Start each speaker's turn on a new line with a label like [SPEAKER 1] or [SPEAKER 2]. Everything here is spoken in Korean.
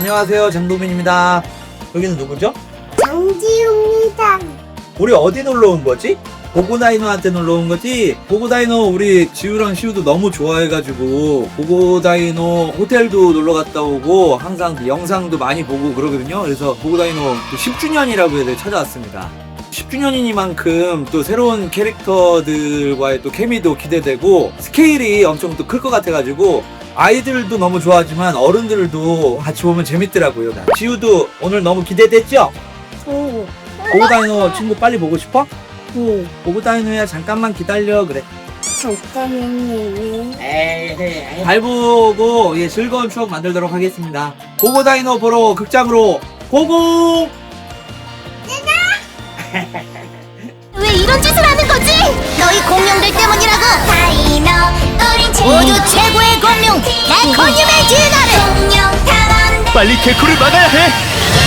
[SPEAKER 1] 안녕하세요, 장동민입니다. 여기는 누구죠?
[SPEAKER 2] 장지우입니다.
[SPEAKER 1] 우리 어디 놀러 온 거지? 보고다이노한테 놀러 온 거지? 보고다이노 우리 지우랑 시우도 너무 좋아해가지고 보고다이노 호텔도 놀러 갔다 오고 항상 영상도 많이 보고 그러거든요. 그래서 보고다이노 10주년이라고 해서 찾아왔습니다. 10주년이니만큼 또 새로운 캐릭터들과의 또 케미도 기대되고 스케일이 엄청 또 클 것 같아가지고 아이들도 너무 좋아하지만 어른들도 같이 보면 재밌더라고요. 지우도 오늘 너무 기대됐죠?
[SPEAKER 2] 오.
[SPEAKER 1] 보고다이노 친구 빨리 보고 싶어?
[SPEAKER 2] 네.
[SPEAKER 1] 보고다이노야 잠깐만 기다려 그래.
[SPEAKER 2] 잠깐만요.
[SPEAKER 1] 잘 보고 즐거운 추억 만들도록 하겠습니다. 보고다이노 보러 극장으로 고고!
[SPEAKER 2] 왜 이런 짓을 하는 거지? 너희 공룡들 때문이라고. 다이노, 우린 우주 최고의 공룡, 내 공룡의 진화를. 공룡 탐험대.
[SPEAKER 3] 빨리 개코를 막아야 해!